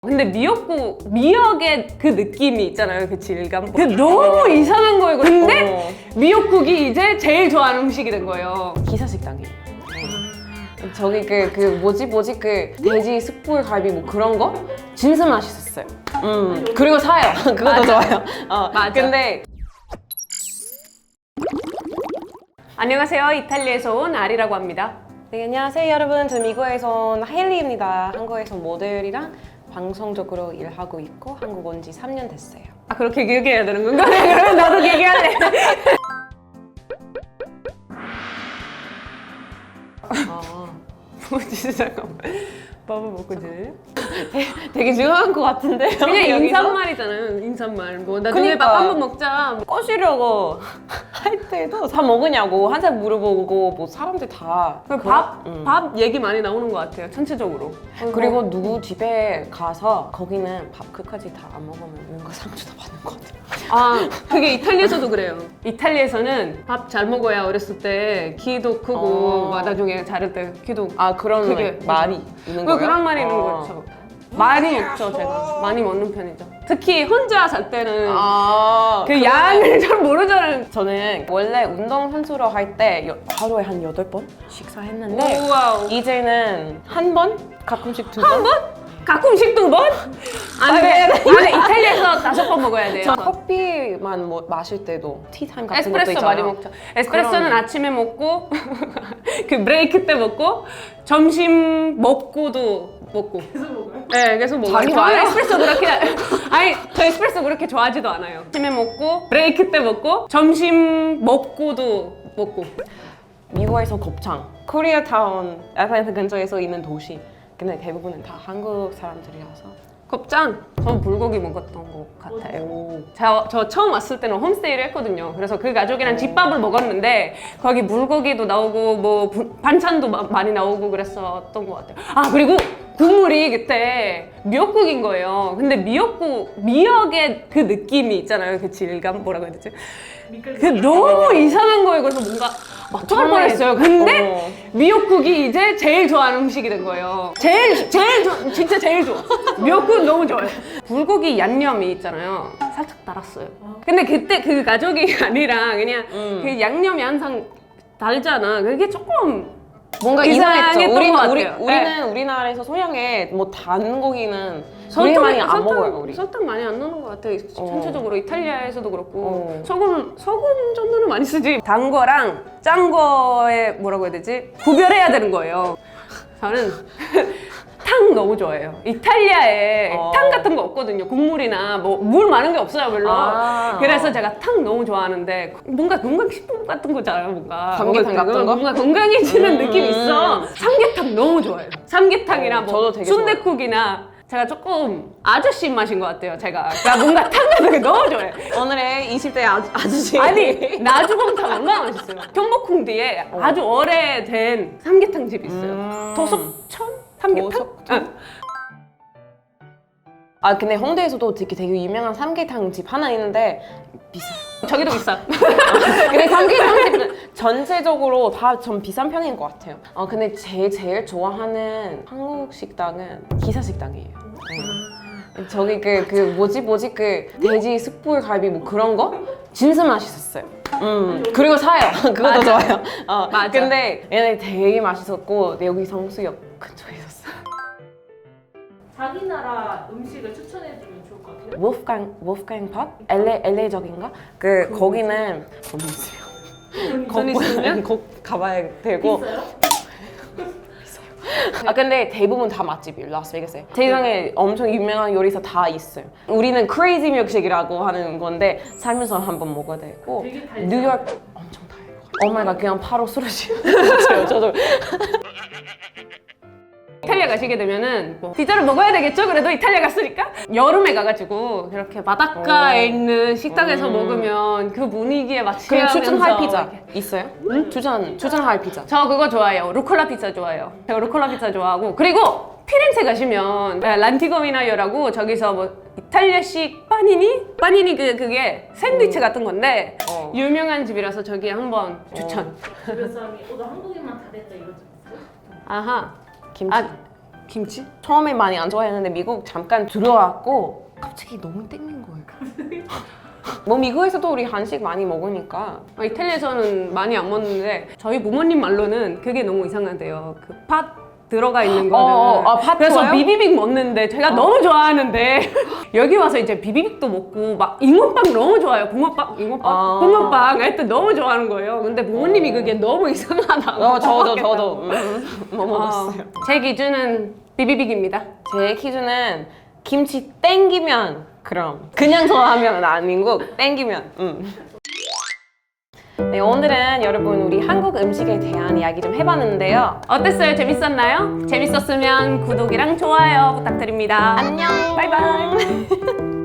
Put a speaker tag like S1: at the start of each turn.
S1: 근데 미역의 그 느낌이 있잖아요. 그 질감. 그 너무 이상한 거예요. 근데 미역국이 이제 제일 좋아하는 음식이 된 거예요.
S2: 기사식당이에요. 저기 뭐지 그 돼지 숯불 갈비 뭐 그런 거 진짜 맛있었어요. 그리고 사요. 그것도
S1: 맞아.
S2: 좋아요.
S1: 맞아.
S2: 근데
S1: 안녕하세요. 이탈리아에서 온 아리라고 합니다.
S2: 네, 안녕하세요 여러분. 저는 미국에서 온 하일리입니다. 한국에서 모델이랑 방송적으로 일하고 있고 한국 온 지 3년 됐어요.
S1: 아, 그렇게 길게 해야 되는 건가? 그러면 나도 길게 할래. 뭐지? 잠깐만. 밥을 먹고 지내?
S2: 되게 중요한 것 같은데요?
S1: 그냥
S2: 여기서?
S1: 인사말이잖아요. 인사말. 뭐 나중에
S2: 그러니까.
S1: 밥 한번 먹자.
S2: 꼬시려고 할 때도 다 먹으냐고 항상 물어보고 뭐 사람들 다
S1: 밥 얘기 많이 나오는 것 같아요. 전체적으로.
S2: 그리고 누구 집에 가서 거기는 밥 끝까지 다 안 먹으면 뭔가 상처도 받는 것 같아요.
S1: 아, 그게 이탈리아에서도 그래요. 이탈리아에서는 밥 잘 먹어야 어렸을 때 키도 크고 막 나중에 자랄 때 키도
S2: 그런
S1: 그게
S2: 말이 있는 거예요?
S1: 그런 말이 있는 거죠. 많이 먹죠, 제가. 많이 먹는 편이죠. 특히 혼자 살 때는 그 양을 잘 모르잖아요.
S2: 저는 원래 운동선수로 할 때 하루에 한 8번 식사했는데
S1: 우와우.
S2: 이제는 한 번? 가끔씩 두 번?
S1: 한 번? 가끔씩 2번? 안 돼. 아니, 이탈리아에서 5번 먹어야 돼요.
S2: 저 커피만 마실 때도 티타임 같은 것도
S1: 에스프레소
S2: 있잖아요.
S1: 많이 먹죠. 에스프레소는
S2: 그럼.
S1: 아침에 먹고 그 브레이크 때 먹고 점심 먹고도 먹고. 계속 먹어요? 네, 계속 먹어요.
S2: 자기
S1: 저는
S2: 와요?
S1: 에스프레소 그렇게 아니, 저 에스프레소 그렇게 좋아하지도 않아요. 아침에 먹고 브레이크 때 먹고 점심 먹고도 먹고.
S2: 미국에서 곱창, 코리아타운, 애틀랜타 근처에서 있는 도시. 근데 대부분은 다 한국 사람들이라서.
S1: 곱창? 전 불고기 먹었던 것 같아요. 저 처음 왔을 때는 홈스테이를 했거든요. 그래서 그 가족이랑 집밥을 먹었는데 거기 물고기도 나오고 뭐 반찬도 많이 나오고 그랬었던 것 같아요. 아, 그리고 국물이 그때 미역국인 거예요. 근데 미역의 그 느낌이 있잖아요. 그 질감 뭐라고 해야 되지? 그 너무 이상한 거예요. 그래서 뭔가 토할 뻔했어요. 근데 미역국이 이제 제일 좋아하는 음식이 된 거예요. 진짜 제일 좋아. 미역국은 너무 좋아요. 불고기 양념이 있잖아요. 살짝 달았어요. 근데 그때 그 가족이 아니라 그냥 그 양념이 항상 달잖아. 그게 조금
S2: 뭔가
S1: 이상했던
S2: 이상했죠.
S1: 것 같아요.
S2: 우리는
S1: 네.
S2: 우리나라에서 소량의 뭐 단 고기는 우리 많이 안 먹어요. 우리.
S1: 설탕 많이 안 넣는 것 같아요. 전체적으로 이탈리아에서도 그렇고
S2: 어.
S1: 소금 정도는 많이 쓰지. 단 거랑 짠 거에 뭐라고 해야 되지? 구별해야 되는 거예요. 저는 탕 너무 좋아해요. 이탈리아에 탕 같은 거 없거든요. 국물이나 뭐 물 많은 게 없어요, 별로. 그래서 제가 탕 너무 좋아하는데 뭔가 건강식품 같은 거잖아요, 뭔가.
S2: 삼계탕 같은 거?
S1: 뭔가 건강해지는 느낌이 있어. 삼계탕 너무 좋아해요. 삼계탕이나
S2: 저도
S1: 뭐
S2: 되게
S1: 순댓국이나 제가 조금 아저씨 입맛인 것 같아요, 제가. 그러니까 뭔가 탕 같은 게 너무 좋아해요.
S2: 오늘의 20대 아저씨.
S1: 아니, 나주곰탕 얼마나 맛있어요. 경복궁 뒤에 아주 오래된 삼계탕 집이 있어요. 도석천? 삼계탕?
S2: 도석천? 근데 홍대에서도 되게 유명한 삼계탕 집 하나 있는데 비싸요.
S1: 저기도 비싸.
S2: 근데 삼계탕 집은 전체적으로 다 좀 비싼 편인 것 같아요. 근데 제일 좋아하는 한국 식당은 기사식당이에요. 네. 저기 뭐지 그 돼지 숯불 갈비 뭐 그런 거 진짜 맛있었어요. 그리고 사요. 그것도
S1: 맞아.
S2: 좋아요.
S1: 맞아.
S2: 근데 얘네 되게 맛있었고 여기 성수역 근처에 있었어요.
S3: 자기 나라 음식을 추천해주면 좋을 것 같아요.
S2: wolfgang 팝? LA적인가? 거기는 돈 있어요.
S1: 돈 있으면?
S2: 꼭 가봐야 되고.
S3: 있어요?
S2: 근데 대부분 다 맛집이에요, 라스베이거스에. 세상에 엄청 유명한 요리사 다 있어요. 우리는 크레이지 밀크쉐이크라고 하는 건데 살면서 한번 먹어야 되고.
S3: 되게 달죠?
S2: 뉴욕 엄청 달고. 오마이갓 그냥 바로 쓰러지요. 저도.
S1: 이탈리아 가시게 되면은 뭐 피자를 먹어야 되겠죠? 그래도 이탈리아 갔으니까 여름에 가가지고 이렇게 바닷가에 있는 식당에서 먹으면 그 분위기에
S2: 그럼
S1: 맞추면서
S2: 추천할 피자 있어요? 추천할 피자.
S1: 저 그거 좋아해요. 루꼴라 피자 좋아해요. 제가 루꼴라 피자 좋아하고. 그리고 피렌체 가시면 란티거미나요라고 저기서 뭐 이탈리아식 빠니니 그게 샌드위치 같은 건데 유명한 집이라서 저기 한번 추천.
S3: 주변 사람이 나 한국인만 다 됐다 이러지 않았어요?
S1: 아하.
S2: 김치.
S1: 김치?
S2: 처음에 많이 안 좋아했는데 미국 잠깐 들어왔고 갑자기 너무 땡긴 거예요. 뭐 미국에서도 우리 한식 많이 먹으니까.
S1: 이탈리아에서는 많이 안 먹는데 저희 부모님 말로는 그게 너무 이상하대요. 그 팥 들어가 있는 거는.
S2: 팥
S1: 그래서
S2: 좋아요?
S1: 비비빅 먹는데 제가 너무 좋아하는데 여기 와서 이제 비비빅도 먹고 막 잉어빵 너무 좋아요. 붕어빵, 잉어빵, 붕어빵 하여튼 너무 좋아하는 거예요. 근데 부모님이 그게 너무 이상하다고.
S2: 저도 뭐 먹었어요.
S1: 제 기준은 비비빅입니다.
S2: 제 기준은 김치 땡기면 그럼 그냥 좋아하면 아니고 땡기면. 네, 오늘은 여러분 우리 한국 음식에 대한 이야기 좀 해봤는데요.
S1: 어땠어요? 재밌었나요? 재밌었으면 구독이랑 좋아요 부탁드립니다.
S2: 안녕.
S1: 바이바이.